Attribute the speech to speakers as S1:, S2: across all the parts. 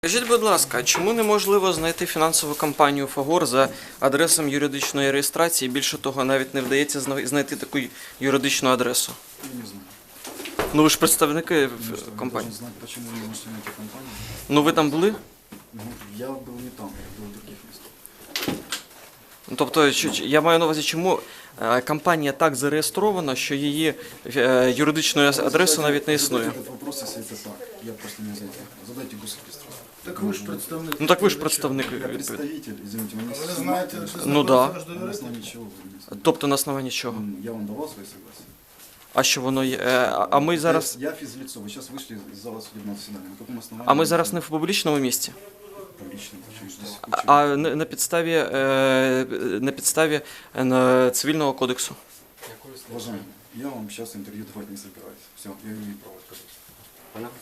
S1: Скажіть, будь ласка, чому неможливо знайти фінансову компанію «Фагор» за адресом юридичної реєстрації? Більше того, навіть не вдається знайти таку юридичну адресу.
S2: Я не знаю.
S1: Ну ви ж представники компанії.
S2: Я знаю, почему вы не можете найти компанию.
S1: Ну ви там були?
S2: Ну, я был не там, я был в других местах.
S1: Тобто, я маю на увазі, чому компанія так зареєстрована, що її юридичної адреси навіть не існує?
S2: Этот вопрос, если это так, я просто не знаю. Задайте госрегистрацию.
S3: Так ви ж представник.
S1: Ну так ви ж представник.
S2: Я представитель, извините, вы не
S3: Ви знаєте,
S1: Ну да.
S2: на основании чего вы не знаете?
S1: Тобто на основанні чого?
S2: Я вам давал свои согласия.
S1: А що воно є? А ми зараз...
S2: Я физлицо, вы сейчас вышли из зала судебного заседания. На каком основании?
S1: А ми зараз не в публічному місці?
S2: Публично, почему здесь
S1: А на підставі Цивільного кодексу?
S2: Уважаемый, я вам сейчас интервью давать не собираюсь. Все, я не имею права сказать. Понятно?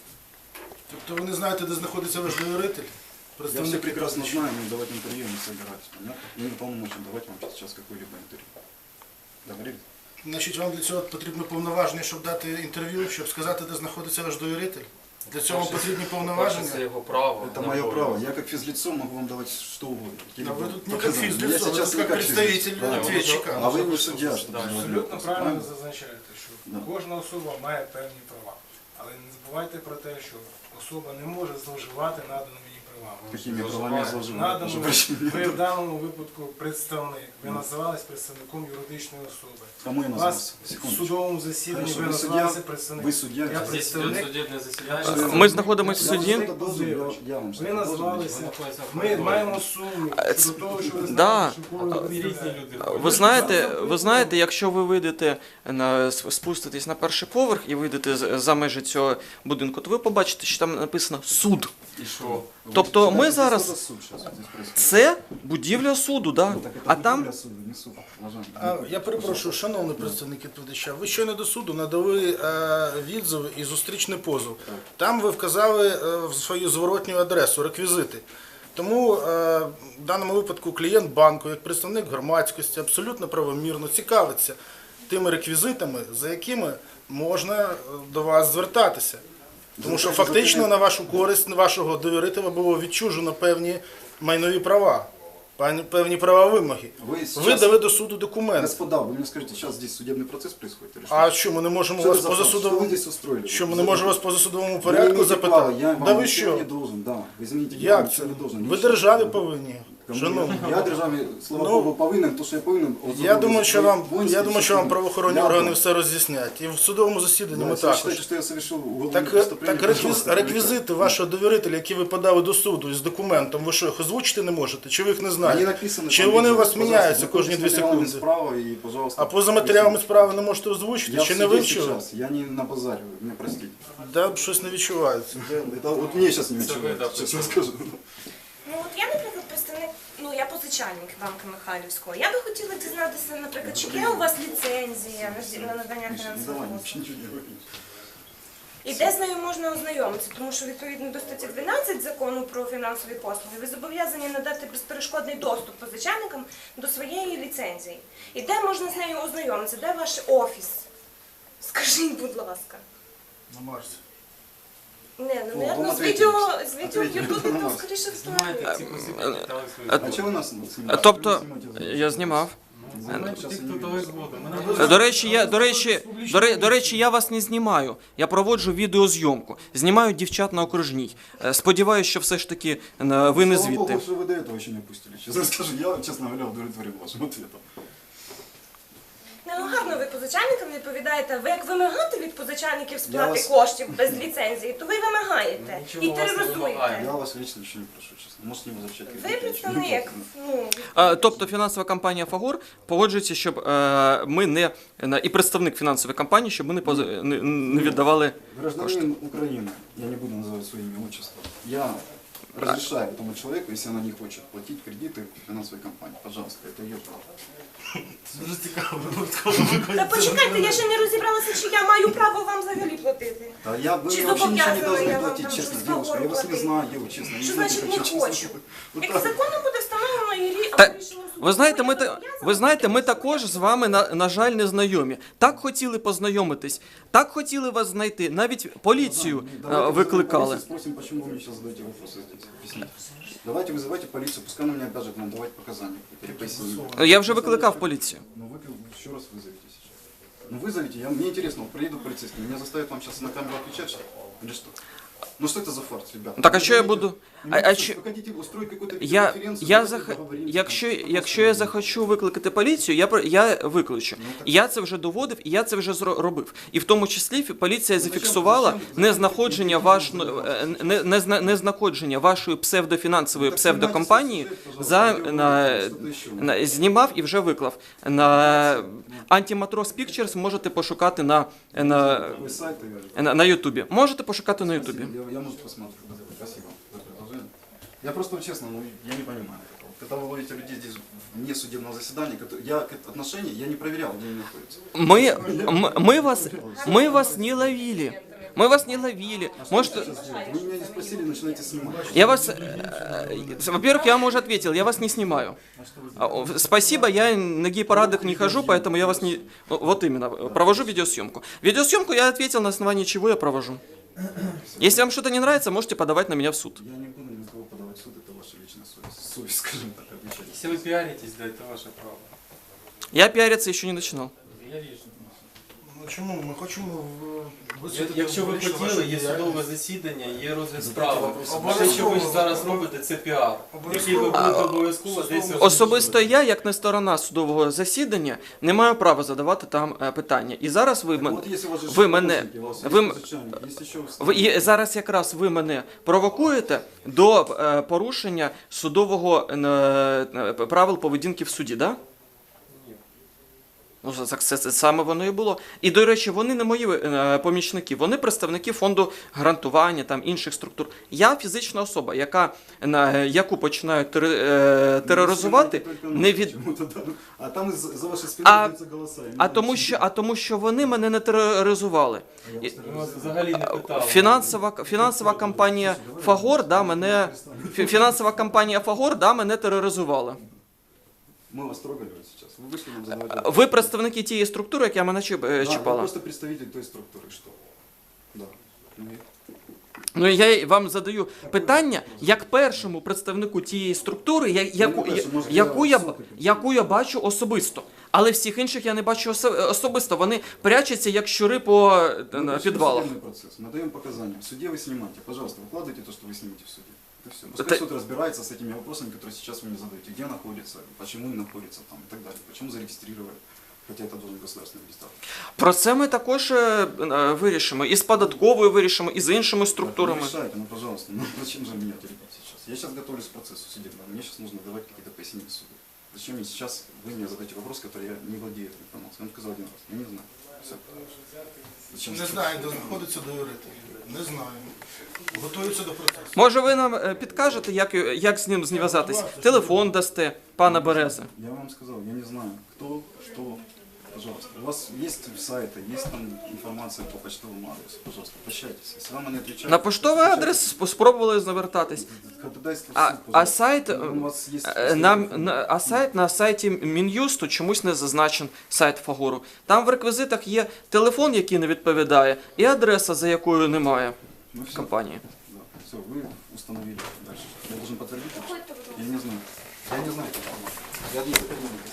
S3: Тобто ви не знаєте, де знаходиться ваш довіритель?
S2: Я все прекрасно знаю, но давать интервью не собираюсь. Понятно? Я не полномочен давать вам сейчас какое-либо интервью. Договорились?
S3: Значить, вам для цього потрібно повноваження, щоб дати інтерв'ю, щоб сказати, де знаходиться ваш довіритель? Для цього потрібні
S4: Це
S3: повноваження?
S4: його право.
S2: Это мое право. Я как физлицо могу вам давать что угодно.
S3: А вы тут не как
S2: показания.
S3: физлицо,
S2: Я
S3: вы
S2: сейчас
S3: тут
S2: не
S3: как представитель
S2: физлицо. Да.
S3: ответчика.
S2: А вы судья, что
S4: Да,
S5: Абсолютно правильно зазначаєте, що
S2: Да.
S5: кожна особа має певні права. Але не забувайте про те, що особа не може зловживати наданими їй правами.
S2: Какими правами я зловживаю?
S5: Наданому,
S2: Прошу прощения.
S5: ви в даному випадку представник. Ви називались представником юридичної особи.
S2: Кому я
S5: Вас
S2: назвался?
S5: в
S2: Секундочку.
S5: судовому засіданні
S2: Хорошо,
S5: ви
S2: ви
S5: називалися
S2: суддя?
S5: представником.
S2: Ви суддя?
S5: Я
S2: Здесь
S4: Здесь идет
S5: представник.
S4: судебное заседание.
S1: Ми знаходимося в
S2: Я вам
S1: суді.
S2: что-то должен, я вам
S5: Ви
S2: что-то должен.
S5: назвалися.
S4: знаходиться в
S5: Ми
S4: коридорі.
S5: маємо сумнів щодо того, що ви
S1: Да.
S5: знаєте, що кого ви
S4: Різні
S5: представляєте.
S4: люди.
S1: Ви знаєте, якщо ви вийдете спуститесь на перший поверх і вийдете за межі цього будинку, то ви побачите, що там написано «суд».
S4: І що?
S1: Тобто ми
S2: Что
S1: зараз...
S2: за суд сейчас вот здесь происходит?
S1: Це будівля суду, да?
S2: Ну, так это
S1: А там...
S2: будівля суду, не суд, уважаемый.
S3: А, я перепрошую, шановний представник відповідача, ви щойно до суду надали відзив і зустрічний позов. Там ви вказали свою зворотню адресу, реквізити. Тому в даному випадку клієнт банку, як представник громадськості, абсолютно правомірно цікавиться тими реквізитами, за якими можна до вас звертатися. Тому що фактично на вашу користь, на вашого довірителя було відчужено певні майнові права, певні права вимоги.
S2: Вы сейчас...
S3: Ви дали до суду документ.
S2: Господа, вы мне скажите, сейчас здесь судебный процесс происходит? Или что?
S3: А що, ми не можемо
S2: Что
S3: вас
S2: это за факт? Что вы
S3: позасудовому...
S2: здесь устроили?
S3: Що, ми не можемо вас позасудовому
S2: Вы не
S3: порядку
S2: имеете
S3: запитати?
S2: права, я вам
S3: Да ви
S2: ничего
S3: що?
S2: не должен, да. Вы извините, я
S3: Як
S2: вам
S3: це?
S2: ничего не должен.
S3: Ви
S2: Ничего.
S3: державі повинні.
S2: Кому?
S3: Шановні.
S2: Я державі, слава
S3: Ну,
S2: Богу, повинен, то, що я повинен.
S3: Я думаю, що вам,
S2: воинский
S3: правоохоронні органи все роз'яснять. І в судовому засіданні ми
S2: Если вы
S3: також.
S2: считаете, что я совершил уголовное
S3: Так
S2: преступление, пожалуйста,
S3: реквізити вашого довірителя, які ви подали до суду із документом, ви що, їх озвучити не можете? Чи ви їх не
S2: Они
S3: знаєте?
S2: написаны
S3: Чи
S2: там,
S3: вони у вас
S2: пожалуйста,
S3: міняються
S2: знакомьтесь
S3: кожні 2
S2: с материалами
S3: секунди?
S2: справа и, пожалуйста,
S3: А поза матеріалами справи не можете озвучити?
S2: я
S3: Чи
S2: в
S3: не
S2: суде
S3: вивчили?
S2: сейчас, я не на базаре, вы меня простите.
S3: Да, щось не відчувається.
S2: Это вот мне сейчас не
S4: Це ви,
S2: ничего,
S4: да,
S2: честно
S4: почему?
S2: скажу.
S6: Ну от я, наприклад, представник, я позичальник банку Михайлівського. Я би хотіла дізнатися, наприклад, чи є у вас ліцензія на надання
S2: Не
S6: фінансових
S2: давай,
S6: послуг?
S2: вообще ничего не говори.
S6: І де з нею можна ознайомитися? Тому що відповідно до статті 12 закону про фінансові послуги ви зобов'язані надати безперешкодний доступ позичальникам до своєї ліцензії. І де можна з нею ознайомитися? Де ваш офіс? Скажіть, будь ласка.
S3: На Марсі.
S6: Не,
S2: О,
S6: наверно,
S2: вам
S6: з відео
S2: ответили.
S6: Ютубі там
S2: Ответили.
S6: скоріше
S4: Знімаєте ці
S6: встановлюють.
S4: просити, дали свої.
S2: А чего вы нас снимаете?
S1: Тобто,
S2: Вы снимаете за-
S1: я знімав.
S4: Знімаєте
S2: Щас
S4: тих,
S2: я не
S4: хто
S2: вижу.
S4: дали згоду.
S1: До речі, я вас не знімаю. Я проводжу відеозйомку. Знімаю дівчат на окружній. Сподіваюсь, що все ж таки ви не
S2: Слава
S1: звідти.
S2: Богу, что вы до этого еще не опустили. Честно скажу, я, честно говоря, удовлетворен вашим ответом.
S6: Гарно ви позичальникам відповідаєте. Ви як вимагати від позичальників сплати
S2: вас-
S6: коштів без ліцензії, то ви вимагаєте
S4: Нічого
S6: і
S4: вас не
S6: тероризуєте.
S4: вимагаємо.
S2: Я вас лично еще не прошу, честно. Можете не возвращать
S6: Ви
S2: кредит, я ничего не
S6: представник.
S2: прошу.
S1: Тобто фінансова компанія «Фагор» погоджується, щоб ми не... І представник фінансової компанії, щоб ми не віддавали кошти.
S2: Гражданин Украины, я не буду называть свое имя, отчество, я разрешаю этому человеку, если она не хочет платить кредиты финансовой компании, пожалуйста, это ее право.
S3: Дуже цікаво.
S6: Та почекайте, я ще не розібралася, чи я маю право вам взагалі платити.
S2: Да, вы
S6: Чи
S2: мне вообще ничего не
S6: зобов'язана
S2: должны
S6: я вам
S2: платить,
S6: там
S2: честно,
S6: щось
S2: девушка, я вас не
S6: платити?
S2: знаю, честно.
S6: Що
S2: знаю,
S6: значить
S2: как
S6: не
S2: честно.
S6: хочу?
S2: Вот
S6: Як
S2: так.
S6: законом буде встановлено, немає
S1: Та-
S6: рішення суду.
S1: Ви знаєте,
S6: Тому
S1: ми,
S6: я
S1: та-
S6: зобов'язана
S1: ви знаєте, ми
S6: прийти
S1: також
S6: своє
S1: з вами, на жаль, не знайомі. Так хотіли познайомитись, так хотіли вас знайти, навіть поліцію
S2: Давайте
S1: викликали.
S2: вызовем полицию, спросим, почему вы мне сейчас задаете вопросы здесь. Объясните. Давайте вызывайте полицию, пускай она мне обяжет нам давать показания. Или пояснения.
S1: Я вже викликав поліцію.
S2: Ну вы еще раз вызовите сейчас. Ну вызовите, мне интересно, вот приедут полицейские, меня заставят вам сейчас на камеру отвечать, что ли? Или что? Ну что это за фарс, ребята?
S1: Так, а
S2: Ну,
S1: що я
S2: вы
S1: буду?
S2: ну,
S1: А
S2: вы
S1: чо-
S2: хотите устроить какую-то
S1: Я
S2: видеоконференцию, давайте договоримся,
S1: якщо я захочу викликати поліцію, я викличу.
S2: Ну, так-
S1: Я це вже доводив, і я це вже робив. І в тому числі поліція
S2: зачем-
S1: зафіксувала
S2: зачем-
S1: незнаходження вашої псевдофінансової
S2: Так
S1: псевдокомпанії
S2: знімайте
S1: за
S2: сюжет,
S1: на знімав і вже виклав. На Antimatros Pictures можете пошукати на
S2: Вы сайт,
S1: на Ютубі. Можете пошукати на Ютубі.
S2: Я, может, посмотрю. Спасибо за предложение. Я просто, честно, ну, я не понимаю этого. Когда вы ловите людей здесь вне судебного заседания, отношения я не проверял, где они находятся.
S1: Мы вас не ловили. Мы вас не ловили. Можете...
S2: Вы меня не спросили, начинаете снимать.
S1: Я вас... Во-первых, я вам уже ответил, я вас не снимаю. Спасибо, я на гей-парадах не хожу, поэтому я вас не... Вот именно, провожу видеосъемку. Видеосъемку я ответил, на основании чего я провожу. Если вам что-то не нравится, можете подавать на меня в суд.
S2: Я не буду ни на кого подавать в суд, это ваша личная совесть. Совесть, скажем так, отвечайте.
S4: Если вы пиаритесь, да, это ваше право.
S1: Я пиариться еще не начинал.
S4: Я ріжу.
S3: Ну чому? Ми хочемо висвітлити
S4: Якщо ви
S3: публічно
S4: хотіли,
S3: вашу
S4: є
S3: діяльність.
S4: судове засідання, є розгляд
S2: Задайте
S4: справи.
S2: вопроси.
S4: Все, що ви зараз робите, це піар, який ви будете обов'язково десь
S1: Особисто я, як не сторона судового засідання, не маю права задавати там питання. І зараз
S2: Вот если у вас же
S1: ви мене...
S2: шеф-помощники, у вас есть
S1: Ви,
S2: начальник, есть еще
S1: і зараз якраз ви мене провокуєте до порушення судового правил поведінки в суді, да? Ну, це саме воно і було. І, до речі, вони не мої помічники, вони представники фонду гарантування, там, інших структур. Я фізична особа, яку починають тероризувати, не від...
S2: А там за вашей спиной
S1: А-
S2: раздаются голоса.
S1: тому що вони мене не тероризували.
S2: Я
S4: Ми вас взагалі не питали.
S1: Фінансова компанія Фагор, мене тероризувала.
S2: Мы вас трогали вот сейчас. Вы вышли нам задавать вопросы.
S1: Ви представники тієї структури, яка мене
S2: Да, вы
S1: чіпала.
S2: просто представитель той структуры, что? Да. Ну,
S1: Ну я вам задаю питання як першому представнику тієї структури, яку я бачу особисто. Але всіх інших я не бачу особисто. Вони прячуться як щури по
S2: Мы
S1: підвалах.
S2: судебный процесс. Мы даем показания. В суде вы снимаете. Пожалуйста, выкладывайте то, что вы снимете в суде. Это все. Пускай
S1: Это-
S2: суд разбирается с этими вопросами, которые сейчас вы мне задаете. Где находится, почему не находится там и так далее. Почему зарегистрировали. Хотя это должен государственный регистратор.
S1: Про це ми також вирішимо. І з податковою вирішимо, і з іншими структурами.
S2: Так, вы решайте, ну пожалуйста. Ну зачем же меня теребить сейчас? Я сейчас готовлюсь к процессу судебному. Мне сейчас нужно давать какие-то пояснения в суде. Зачем мне сейчас вы мне задаете вопрос, который я не владею этой информацией? Я вам сказал один раз. Я не знаю. Все. Зачем?
S3: Не знаю, де знаходиться доюрити. Не знаю. Готуються до процесу.
S1: Може ви нам підкажете, як з ним зв'язатись? Телефон дасте, пана Берези.
S2: Я вам сказал, я не знаю, кто, что. Пожалуйста. У вас есть сайты, есть там информация по почтовому адресу. Пожалуйста, обращайтесь. Если вам они отвечают...
S1: На поштовий адрес спробували звертатись.
S2: Ходатайство в
S1: А,
S2: суд,
S1: а
S2: пожалуйста.
S1: сайт
S2: У вас есть
S1: на сайті Мін'юсту чомусь не зазначен сайт Фагору. Там в реквізитах є телефон, який не відповідає, і адреса, за якою немає
S2: Ну, всё.
S1: компанії.
S2: Да. Все, вы установили дальше. Я должен подтвердить?
S6: Заходьте, будь ласка.
S2: Я не знаю. Я не знаю. Я не знаю.